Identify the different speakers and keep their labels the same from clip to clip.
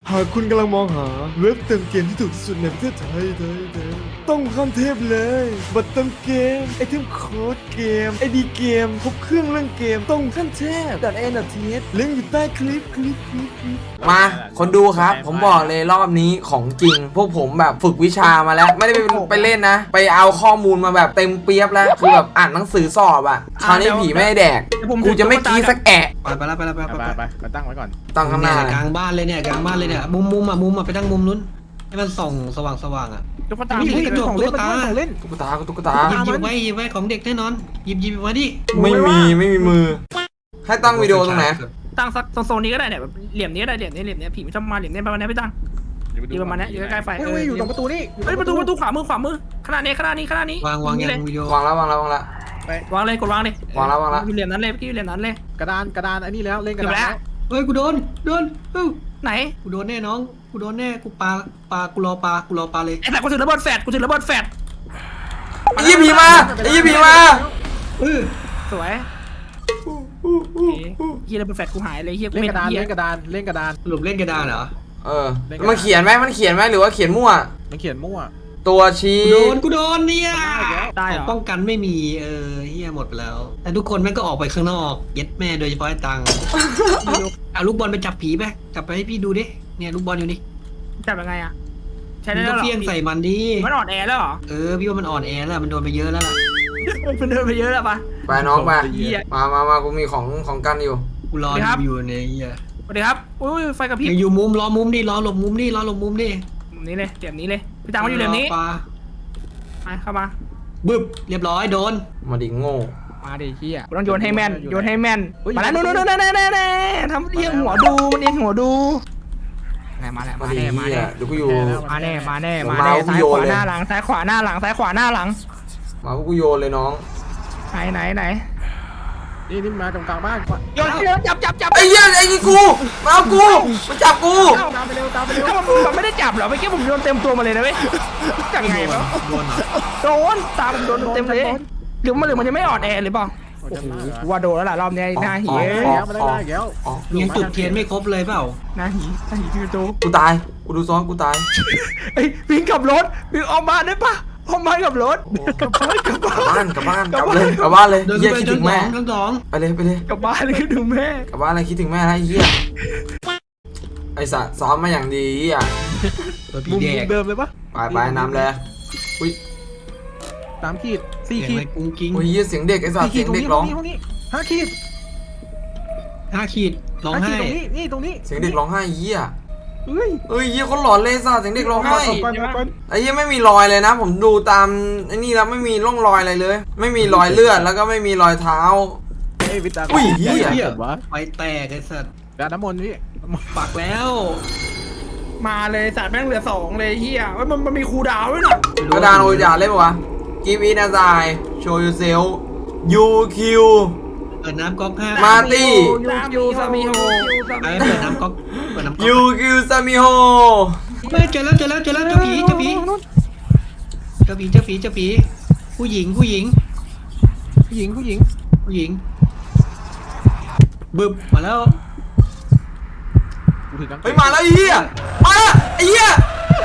Speaker 1: หากคุณกำลังมองหาเว็บเติมเกมที่ถูกที่สุดในประเทศไทยต้องข้ามเทพเลยบัตรเติมเกมไอเทมโค้ดเกมไอดีเกมครบเครื่องเรื่องเกมต้องขั้นเทพ.n.th ลิงก์อยู่ใต้คลิป
Speaker 2: มาคนดูครับผมบอกเลยรอบนี้ของจริง พวกผมแบบฝึกวิชามาแล้ว ไม่ได้ไปเล่นนะ ไปเอาข้อมูลมาแบบเต็มเปียบแล้วคือแบบอ่านหนังสือสอบอ่ะคราวนี้ผีไม่ได้แดกกูจะไม่กี้สักแอะ
Speaker 3: ไปตั้งไว้ก่อน
Speaker 2: ตั้งข้างหน้าก
Speaker 3: ลางบ้านเลยเนี่ยกลางบ้านเลยเนี่ยมุมไปตั้งมุมนู้นให้มันส่องสว่างอ่ะ
Speaker 4: ตุ๊กตา
Speaker 3: นี่
Speaker 4: ของเล่นของเล่น
Speaker 2: ตุ๊กตา
Speaker 3: หยิบไว้ของเด็กแน่นอนหยิบมาดิ
Speaker 2: ไม่มีมือ ให้ตั้งวิดีโอตรงไหน
Speaker 4: ตั้งสักโซนนี้ก็ได้เนี่ยเหลี่ยมนี้ก็ได้เหลี่ยมนี้ผีมันชอบมาเหลี่ยมนี้ประมาณนี้พี่ตั้งอยู่ประมาณนี้อยู่ใกล้ๆไฟ
Speaker 5: อยู่ตรงประตูนี่
Speaker 4: ประตูขวามือขนาดนี้
Speaker 3: วางยังวิดีโอ
Speaker 2: วางแล้ว
Speaker 4: วางเลยกดวางเลยว
Speaker 2: างแล้ว
Speaker 4: อยู่เหลี่ยมนั้นเลยพี่อยู่เหลี่ยมนั้นเลย
Speaker 5: กระดานอันนี้แล้วเล่นกระดาน
Speaker 3: เฮ้ยกูโดน
Speaker 4: ไหน
Speaker 3: กูโดนแน่น้องกูโดนแน่กูปลากูรอปลาเลย
Speaker 4: ไอ้แต่กูถือระเบิดแฟด
Speaker 2: ไอ้ยี่ผีมา
Speaker 4: สวยเฮียระเบิดแฟดกูหายเลยเฮียกู
Speaker 5: เล่น
Speaker 4: ไม่
Speaker 5: กระดาน
Speaker 4: เฮีย
Speaker 5: เล่นกระดาน
Speaker 3: สรุปเล่นกระดานเหรอ
Speaker 2: มันเขียนไหมหรือว่าเขียนมั่ว
Speaker 5: มันเขียนมั่ว
Speaker 2: ตัวชี้
Speaker 3: กูโดนเนี่ย
Speaker 4: ได้เหรอ
Speaker 3: ป้องกันไม่มีเฮียหมดไปแล้วแต่ทุกคนแม่งก็ออกไปข้างนอกเย็ดแม่โดยเฉพาะไอ้ตังเอาลูกบอลไปจับผีไปจับไปให้พี่ดูดิเนี่ยลูกบอลอยู่นี่
Speaker 4: จับยังไงอ่ะใช้
Speaker 3: มั
Speaker 4: ได้
Speaker 3: น
Speaker 4: แล้
Speaker 3: ก็
Speaker 4: วหรอ
Speaker 3: เฟี้ยงใส่มันดิ
Speaker 4: มันอ่อนแอแล้วเหรอ
Speaker 3: พี่ว่ามันอ่อนแอแล้วมันโดนไปเยอะแล้วล่ะ
Speaker 4: มันเดินไปเยอะแล้วปะ
Speaker 2: ไปน้องไปมากูมีของกันอยู่
Speaker 3: กูรออยู่ในเฮีย
Speaker 4: สวัสดีครับอุ้ยไฟกระพริบ
Speaker 3: อยู่มุมรอมุมดิรอหลบมุมดิ
Speaker 4: มุมนี้เลยเหลี่ยมนี้เลยพี่ตังมาอยู่เหลี่ยมนี้ไปเข้ามา
Speaker 3: บึ้บเรียบร้อยโดน
Speaker 2: มาดิโง่
Speaker 4: มาดิเฮียต้องโยนให้แม่นมาแล้วนู่นทำเอียงหัวดูมันเอียงหัวดูมาแล้ว
Speaker 2: มาดิเหี้ยเดี๋ยวกูอยู่
Speaker 4: มาแน่ซ้ายขวาหน้าหลัง
Speaker 2: มาพวกกูโยนเลยน้อง
Speaker 4: ไหน
Speaker 5: นี่มาตรงกลางบ้าน
Speaker 4: โยนจับ
Speaker 2: ไอ้เหี้ยไอ้นี่กูมาเอากูมาจับกู
Speaker 5: ตามไปเร็ว
Speaker 4: มันไม่ได้จับหรอเมื่อกี้ผมโยนเต็มตัวมาเลยนะเว้ยจังไงวะโดนตาผมโดนเต็มเลยหรือมันจะไม่อ่อนแอหรือเปล่าโอ้โหว่าโดนแล้วล่ะรอบนี้หน้าหี
Speaker 5: มาได้แล้ว
Speaker 3: ยังจุดเทียนไม่ครบเลยเปล่า
Speaker 4: หน้าหีที่โต
Speaker 2: กูตายกูดูซ้อนกูตาย
Speaker 4: ไอ้วิ่งกับรถวิ่งออกมาได้ปะออกมากับรถกลับบ้าน
Speaker 2: กลับบ้านเลย
Speaker 3: เดิน
Speaker 2: เหี้ย
Speaker 3: ไป
Speaker 2: คิด
Speaker 3: จ
Speaker 2: ถึ
Speaker 3: น
Speaker 2: งแม่
Speaker 3: ทั้งสอง
Speaker 2: ไปเลย
Speaker 4: กลับบ้านเลยคือดูแม่
Speaker 2: กลับบ้านเลยคิดถึงแม่แล้วไอ้เหี้ยไอ้สัตว์ซ้อมมาอย่างดีอ่ะ
Speaker 3: ตัวผี
Speaker 5: มุม
Speaker 3: แดก
Speaker 5: เดิมเลยปะ
Speaker 2: ไปน้ำเลยอุ้ย
Speaker 5: 3 ขีด 4 ขีด
Speaker 3: กุ้งกิ้ง
Speaker 2: อุ้ยเสียงเด็กไอ้สัตว์เสียงเด็กร้อง
Speaker 5: 5 ขีด
Speaker 3: 5 ขีดร้องไห้
Speaker 5: ตรงนี้
Speaker 2: เสียงเด็กร้องไห้เหี้ย
Speaker 5: เฮ้ย
Speaker 2: เอ้ยเหี้ยคนหลอนเลยสัตว์เสียงเด็กร้องไห้
Speaker 5: ก่อน
Speaker 2: ไอ้เหี้ยไม่มีรอยเลยนะผมดูตามไอ้นี่แล้วไม่มีร่องรอยอะไรเลย ไม่มีรอยเลือดแล้วก็ไม่มีรอยเท้า
Speaker 5: เฮ้ยวิตา
Speaker 2: อุ้ยเหี้ย
Speaker 3: ไฟแตกไอ้สัตว์
Speaker 5: กระน้ำมนต์พี่
Speaker 3: ปักแล้ว
Speaker 4: มาเลยสัตว์แม่งเหลือ2เลยเฮียมันมีคูดาวด้วยนะ
Speaker 2: กระดานโอยาเล่นปะวะ Give it a try Show yourself UQ
Speaker 3: เปิดน้ำก๊อก5
Speaker 2: มาตี้
Speaker 4: ยูซามิโฮ
Speaker 3: เปิดน้ำก๊อก
Speaker 2: UQ ซามิโฮ
Speaker 3: เจอแล้วเจ้าผีผู้หญิงบึ้บมาแล้ว
Speaker 2: เฮ้ยมาแล้วไอ้เหี้ยมาไอ้เหี้ย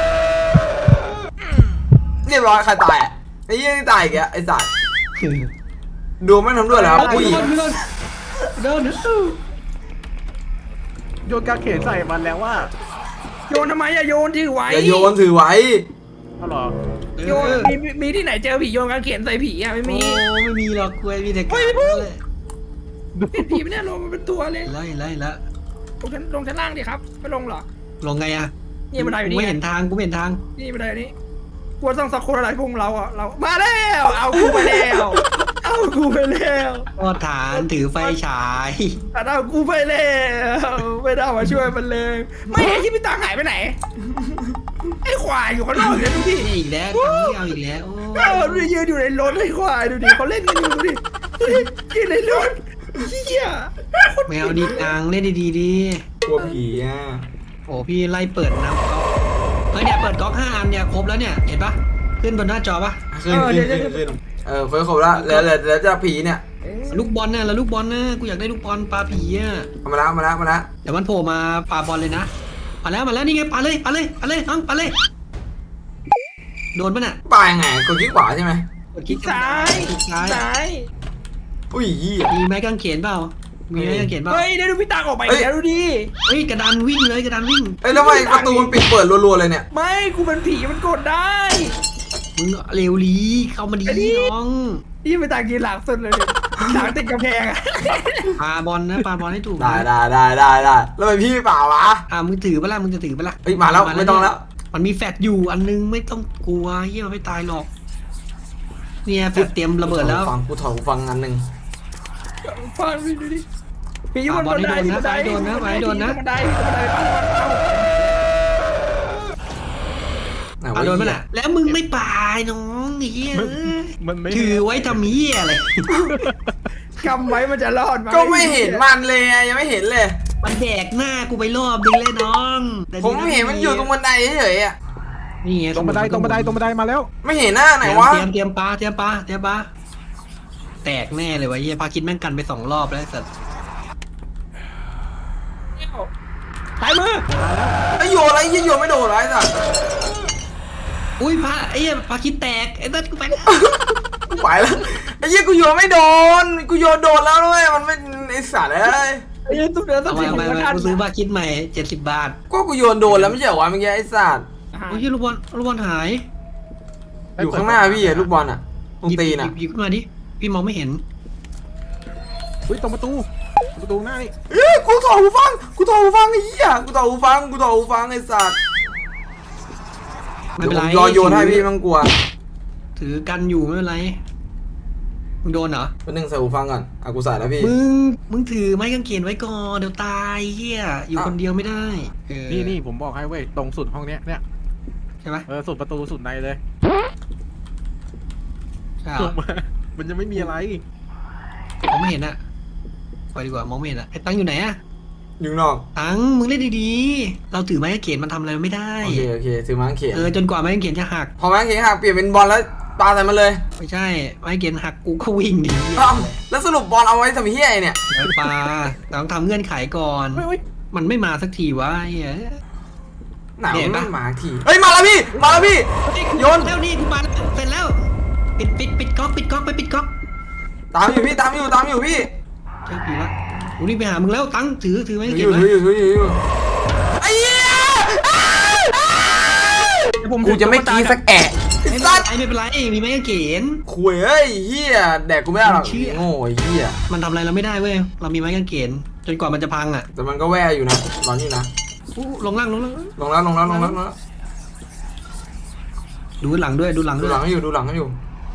Speaker 2: เรียบร้อยใครตายไอ้เหี้ยนี่ตายอีกแล้วไอ้สัตว์ดูไม่ทำด้วยเหรอผู้หญิง
Speaker 3: โดน
Speaker 5: โยนกาเขนใส่มันแล้วว่า
Speaker 4: โยนทำไมอะโยนถือไว้
Speaker 2: อย่าโยนถือไว้
Speaker 5: เอาหรอ
Speaker 4: โยนมีที่ไหนเจอผีโยนกางเขนใส่ผีอะไม่มี
Speaker 3: ไม่มีหรอกคุยมีแต่กา
Speaker 4: เป็นผีไม่แน่ลงมันเป็นตัวเลย
Speaker 3: ไล่ละ
Speaker 4: ลงชั้นล่างดิครับไม่ลงหรอ
Speaker 3: ลงไงอะ
Speaker 4: นี่บันไดอยู่นี่
Speaker 3: ไม่เห็นทางกูไม่เห็นทาง
Speaker 4: นี่บันไดนี้กลัวต้องสักคนอะไรพวกเราอ่ะเรามาแล้วเอากูไปแล้ว
Speaker 3: ก็ฐานถือไฟฉาย
Speaker 4: เอากูไปแล้วไม่ได้มาช่วยมันเลย ไม่ไอ้ที่พี่ตังหายไปไหนไอ้ควายอยู่ข้างนอกเลยดูดิ
Speaker 3: อีกแล้วเอาอีกแล้ว
Speaker 4: ดูดิยืนอยู่ในรถไอ้ควายดูดิเขาเล่นกันอยู่ดูดิยืนในรถเหี้ย
Speaker 3: แมวดีกลางเล่นดีๆดี
Speaker 2: กลัวผีอ่ะ
Speaker 3: โอ้พี่ไล่เปิดน้ำก๊อกเฮ้ยเนี่ยเปิดก๊อก5 อันเนี่ยครบแล้วเนี่ยเห็นปะขึ้นบนหน้าจอปะ
Speaker 2: ขึ้นเฟิร์สครบแล้วแล้วจะผีเนี่ย
Speaker 3: ลูกบอลน่ะแล้วลูกบอลน่ะกูอยากได้ลูกบอลปลาผีอ่ะ
Speaker 2: มาแล้ว
Speaker 3: เดี๋ยวมันโผล่มาปลาบอลเลยนะมาแล้วนี่ไงปาเลยน้องปาเลยโดนปะน่ะ
Speaker 2: ปลายไงกดคลิกขวาใช่ไหม
Speaker 3: กดคลิก
Speaker 4: ซ้าย
Speaker 3: คลิกซ้าย
Speaker 4: ซ้าย
Speaker 2: อุ้ยเหี้ย
Speaker 3: มีไม้กางเขนเปล่ามีไม้กางเขนเปล่า
Speaker 4: เฮ้ยได้ดูพี่ตังออกไป
Speaker 2: เฮ้ย
Speaker 4: แล้วดูดิ
Speaker 3: เฮ้ยกระดานวิ่งเลยกระดานวิ่ง
Speaker 2: เอ้ยแล้วทำไมประตูมันปิดเปิดรัวๆเลยเนี่ย
Speaker 4: ไม่กูเป็นผีมันกดได้
Speaker 3: มึงเร็วลีเข้ามาดี
Speaker 4: ไอ้นี่
Speaker 3: น้อง
Speaker 4: นี่ไปตังยืนหลังสุดเลยเนี่ยหลังติดกำแพงอะ
Speaker 3: ปาบอลนะปาบอลให้ถูก
Speaker 2: ได้แล้วทำไมพี่ไม่เปล่าวะ
Speaker 3: มึงถือปะล่ะมึงจะถือปะล่ะ
Speaker 2: เฮ้ยมาแล้วไม่ต้องแล้ว
Speaker 3: มันมีแฟดอยู่อันนึงไม่ต้องกลัวเฮียมันไม่ตายหรอกเนี่ยแฟดเตรียมระเบิดแล้ว
Speaker 2: กูถอดหูฟังอันหนึ่ง
Speaker 4: ฟังดูดิผีอยู่บนบันไดที่บันได
Speaker 3: โดนนะไปโดนนะ
Speaker 4: บันไดบันไดปั้งปั้ง
Speaker 2: ไหนวะ
Speaker 3: โดนปะ
Speaker 2: เหี้ย
Speaker 3: น่ะแล้วมึงไม่ปายน้องเฮีย
Speaker 5: มันไม่
Speaker 3: ถือไว้ทำเฮียอะไร
Speaker 4: กำไว้มันจะรอดไหม
Speaker 2: ก็ไม่เห็นมันเลยอะยังไม่เห็นเลย
Speaker 3: มันแดกหน้ากูไปรอบนึงเลยน้องแต่
Speaker 2: ผมเห็นมันอยู่ตรงบันไดเฉยๆอะ
Speaker 3: นี่ไง
Speaker 5: ตรงบันไดมาแล้ว
Speaker 2: ไม่เห็นหน้าไหนวะ
Speaker 3: เตรียมปลาแตกแน่เลยวะเฮียพาคิดแม่งกันไป2 รอบแล้วไอ้สัส
Speaker 4: สายมือ
Speaker 2: ไอ้โยนอะไรยี่โยนไม่โดนไรสัตว์
Speaker 3: อุ้ยไอ้เหี้ยพาคิดแตกไอ้สัสกูไปแล้ว
Speaker 2: กูไปแล้วไอ้ยี่กูโยนไม่โดนกูโยนโดนแล้วด้วยมันไม่ไอ้สัตว์เลย
Speaker 4: ไอ้ตุ๊กเดือดตุ๊ก
Speaker 3: เอา
Speaker 4: ผี
Speaker 3: ไป
Speaker 4: มันทัน
Speaker 3: กูซื้อพาคิดใหม่70 บาท
Speaker 2: ก็กูโยนโดนแล้วไม่ใช่เหรอวะเมื่อกี้ไอ้สัตว์
Speaker 3: โอ้ยลูกบอลหาย
Speaker 2: อยู่ข้างหน้าพี่อะลูกบอลอะตรงตีนอะ
Speaker 3: หยิบขึ้นมาดิพี่มองไม่เห็น
Speaker 5: อุ้ยตรงประตูหน้านี่
Speaker 2: เอ้ยกูถอดหูฟังไอ้เหี้ยกูถอดหูฟังไอ้สัตว์
Speaker 3: ไม่
Speaker 2: เดี๋ยว
Speaker 3: เป็น
Speaker 2: ผ
Speaker 3: ไร
Speaker 2: มรอโยนให้พี่ไมันกลัว
Speaker 3: ถือกันอยู่ไม่เป็นไรมึงโดนเหรอ
Speaker 2: เป็นหนึ่งใส่หูฟังก่อนอ่ะกูใส่แล้วพี่
Speaker 3: มึงถือไม้กางเขนไว้ก่อนเดี๋ยวตายเฮียอยู่คนเดียวไม่ได้เออ
Speaker 5: นี่ผมบอกให้เว้ยตรงสุดห้องเนี้ยเนี่ย
Speaker 3: ใช่ไหม
Speaker 5: สุดประตูสุดในเลย
Speaker 3: ใช่เหร
Speaker 5: ตร
Speaker 3: อง
Speaker 5: มามันจะไม่มีอะไร
Speaker 3: มองไม่เห็นอะไปดีกว่ามองไม่เห็นอะไอ้ตังอยู่ไหนอะ
Speaker 2: อยู่ข้างนอก
Speaker 3: ตังมึงเล่นดีๆเราถือไม้กางเขนมันทำอะไรไม่ได้
Speaker 2: โอเคถือไม้กางเขน
Speaker 3: จนกว่าไม้กางเขนจะหัก
Speaker 2: พอไม้กางเขนหักเปลี่ยนเป็นบอลแล้วปาใส่มันเลย
Speaker 3: ไม่ใช่ไม้กางเขนหักกูก็วิ่งดี
Speaker 2: อ้าวแล้วสรุปบอลเอาไว้ทำเหี้ยไอ้เนี่ย
Speaker 3: ปลาต้องทำเงื่อนไขก่อน มันไม่มาสักทีวะไอ้เหี้ย
Speaker 2: หนาว
Speaker 3: เห็น
Speaker 2: มั
Speaker 3: ปะ
Speaker 2: นมาทีเฮ้ยมาแล้วพี่โยน
Speaker 3: แล้วนี่กูมาแล้วเสร็จแล้วปิดก๊อกไปปิดก๊อก
Speaker 2: ตามอยู่พี่
Speaker 3: เจอผีวะกูนี่ไปหามึงแล้วตังถือไม้กางเข
Speaker 2: อน ยู่
Speaker 3: ไว้
Speaker 2: อยู่ไอ้เหี้ยกูจะไม่กรีดสักแอะไอ้
Speaker 3: ไม่
Speaker 2: สัตว์
Speaker 3: เป็นไรมีไม้กางเขน
Speaker 2: คุยเอ้ยเหี้ยแดกกูไม่ได้หรอก
Speaker 3: เชี่ย
Speaker 2: โง่ไอ้เหี้ย
Speaker 3: มันทำอะไรเราไม่ได้เว้ยเรามีไม้กางเขนจนกว่ามันจะพังอ่ะ
Speaker 2: แต่มันก็แว่อยู่นะร้อนอยู่นะ
Speaker 3: อู้ลงล่าง
Speaker 2: ลงแล้ว
Speaker 3: ดูหลังด้วย
Speaker 2: ดูหลังให้อยู่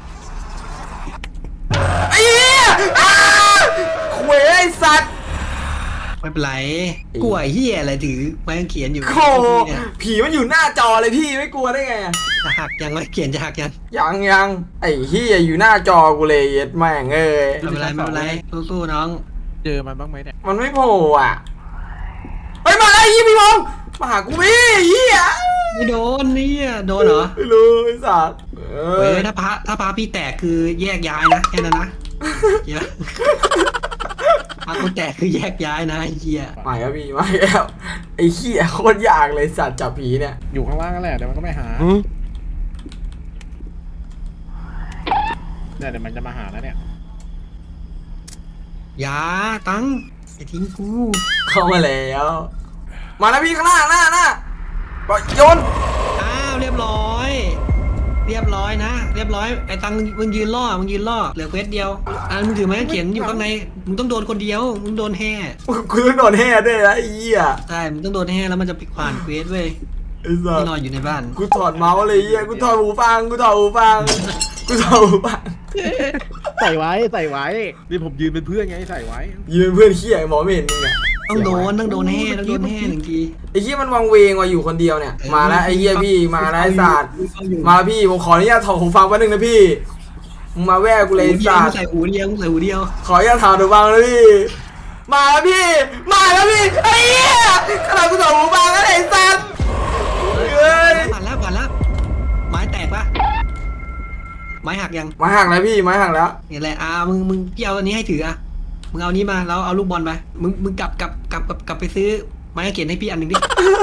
Speaker 2: ไอ้เหี้ยคุยไอ้สัตว์
Speaker 3: ไม่เป็นไรกลัวไอ้เหี้ยอะไรถือไม้กางเขนอยู่
Speaker 2: โคผีมันอยู่หน้าจอเลยพี่ไม่กลัวได้ไงอะ
Speaker 3: จะหักยังไม้กางเขนจะหักยัง
Speaker 2: ยังไอ้เหี้ยอยู่หน้าจอกูเลยเย็ดแม่งเอ้ย
Speaker 3: ไม่เป็นไรสู้ๆน้อง
Speaker 5: เจอมันบ้างไหมเนี่ย
Speaker 2: มันไม่โผล่อ่ะเฮ้ยมาแล้วไอ้เหี้ยพี่มองมาหากูพี่เหี้ย
Speaker 3: ไม่โดนนี่โดนเหรอ
Speaker 2: ไม่รู้ไอ้สัตว์
Speaker 3: เฮ้ยถ้าพระพี่แตกคือแยกย้ายนะแค่นั้นนะเหี้ยพระกูแตกคือแยกย้ายนะไอ้เหี้ย
Speaker 2: มาแล้วพี่มาแล้วไอ้เหี้ยโคตรยากเลยสัตว์จับผีเนี่ย
Speaker 5: อยู่ข้างล่างนั่นแหละเดี๋ยวมันก็ไม่หาเนี่ยเดี๋ยวมันจะมาหาแล้วเนี่ย
Speaker 3: อย่าตังอย่าทิ้งกู
Speaker 2: เข้ามาแล้วมาแล้วพี่ข้างหน้าปล่อยโยน
Speaker 3: อ้าวเรียบร้อยนะเรียบร้อยไอ้ตังมึงยืนล่อเหลือเควสเดียวมึงถือไม้กางเขนอยู่ข้างในมึงต้องโดนคนเดียวมึงโดนแห่
Speaker 2: กูต้องโดนแห่ด้วยนะไอ้เหี้ย
Speaker 3: ใช่มึงต้องโดนแห่แล้วมันจะปิดผ่านเควสเว้ย
Speaker 2: ไอ้สัต
Speaker 3: ที่
Speaker 2: ว์
Speaker 3: นอนอยู่ในบ้าน
Speaker 2: กูถอดเมาส์เลยเหี้ยกูถอดหูฟัง
Speaker 5: ใส่ไว้นี่ผมยืนเป็นเพื่อนไงใส่ไว้
Speaker 2: ยืนเพื่อนเหี้ยหมอไม่เห็นมึงอะ
Speaker 3: ต้องโดนแห่หนึ่งที
Speaker 2: ไอ้เหี้ยมันวังเวงว่ะอยู่คนเดียวเนี่ยมาแล้วไอ้เหี้ยพี่มาแล้วไอ้สัตว์มาแล้วพี่ผมขออนุญาตถอดหูฟังแป๊บนึงนะพี่มึงมาแว่กูเลยไอ้สัตว์
Speaker 3: ใส่หูเดียว
Speaker 2: ขออนุญาตถอดหูฟังนะพี่มาแล้วพี่ไอ้เหี้ยขนาดกูถอดหูฟังแล้วไอ้สัตว์เฮ้ย
Speaker 3: ผ่านแล้วไม้แตกปะไม้หักยัง
Speaker 2: ไม้หักแล้วพี่ไม้หักแล้ว
Speaker 3: นี่แหละมึงพี่เอาอันนี้ให้ถือมึงเอานี้มาแล้วเอาลูกบอลไปมึงกลับไปซื้อไม้ไม้กางเขนให้พี่อันหนึ่งดิ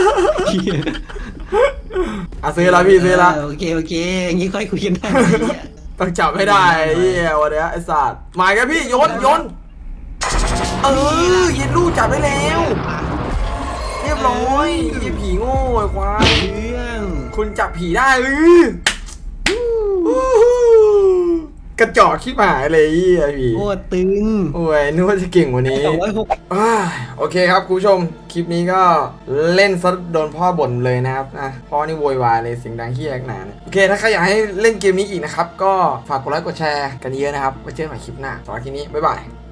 Speaker 2: อ่ะซื้อแล้วพี่ซื้อแล้ว
Speaker 3: โอเคอย่างงี้ค่อยคุยกันได้
Speaker 2: ต้องจับให้ได้ไอ้เหี้ยวันเนี้ยไอ้สัตว์มากันพี่โยนเย็นลูกจับได้แล้ว เรียบร้อยไอ้ผีโง่ไอ้ควาย
Speaker 3: เรื่อง
Speaker 2: คุณจับผีได้กระจอกขี้หมายเลยไอ้ผี
Speaker 3: โคตรตึง
Speaker 2: โอ้ยนึกว่าจะเก่งกว่านี้
Speaker 3: 206
Speaker 2: โอเคครับคุณผู้ชมคลิปนี้ก็เล่นซะโดนพ่อบ่นเลยนะครับพ่อนี่โวยวายเลยเสียงดังขี้แอกหนาเนี่ยโอเคถ้าใครอยากให้เล่นเกมนี้อีกนะครับก็ฝากกดไลค์กดแชร์กันเยอะนะครับไว้เจอกันใหม่คลิปหน้าสำหรับคลิปนี้บ๊ายบาย